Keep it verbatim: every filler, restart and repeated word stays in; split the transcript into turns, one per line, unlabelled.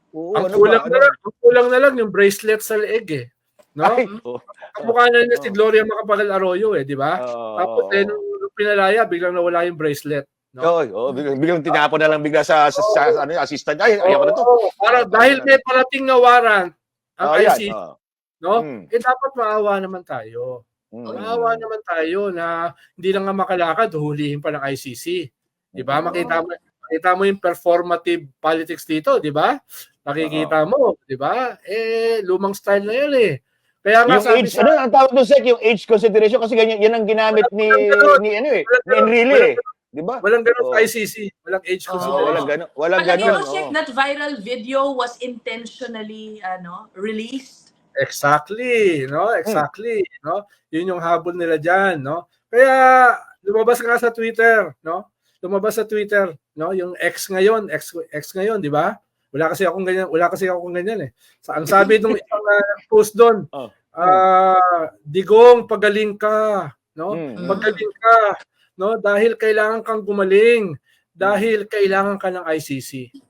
Oo,
Ang
ano
kulang
ba?
na
Ano?
lang, ang kulang na lang yung bracelet sa leeg eh, 'no?
Ay, oh.
Kamukha na niya si
Oh.
Gloria Macapagal Arroyo eh, 'di ba?
Oo,
Tapos eh,
oo.
nung pinalaya biglang nawala yung bracelet, 'no?
Oo, oo, biglang biglang tinapon na lang bigla sa sa
Oo.
sa ano, assistant, "Ay, ayoko na 'to."
Oo,
Oo,
parang
parang
dahil
gano'n.
may parating na warrant ang
Oo, 'yan,
I-C-C,
oo.
'no?
Hmm.
Eh, dapat maawa naman tayo. Maawa
Mm.
naman tayo na hindi lang nga makalakad huhulihin pa ng I-C-C, 'di ba? Makita
Oo.
mo makita mo yung performative politics dito, 'di ba?
Oo.
Nakikita mo, 'di ba? Eh, lumang style na 'yan eh. Kaya nga
Yung
sabi
age
sa
ano ang tawag dun, Sec, yung age consideration kasi ganyan 'yan ang ginamit
Walang
ni
walang gano'n.
ni ano eh,
Walang
ni
gano'n.
Enrile
Walang
eh,
gano'n.
'di ba?
Walang gano'n sa
Oo.
I-C-C. Walang age
Oo, walang
consideration.
Oo.
gano'n walang
Palagay
gano'n,
mo, Sec,
oo.
that viral video was intentionally ano, released?
Exactly, 'no?
Hmm.
Exactly, 'no? Yun yung habol nila diyan, 'no? Kaya lumabas nga sa Twitter, 'no? Lumabas sa Twitter, 'no, yung X ngayon, X X ngayon, 'di ba? Wala kasi akong ganyan wala kasi akong ganyan eh. Sa ang sabi nung isang uh, post dun,
Oh, hmm.
ah, "Digong pagaling ka, 'no?
Mm, mm.
Magaling ka, 'no? Dahil kailangan kang gumaling,
Mm.
dahil kailangan ka ng I-C-C."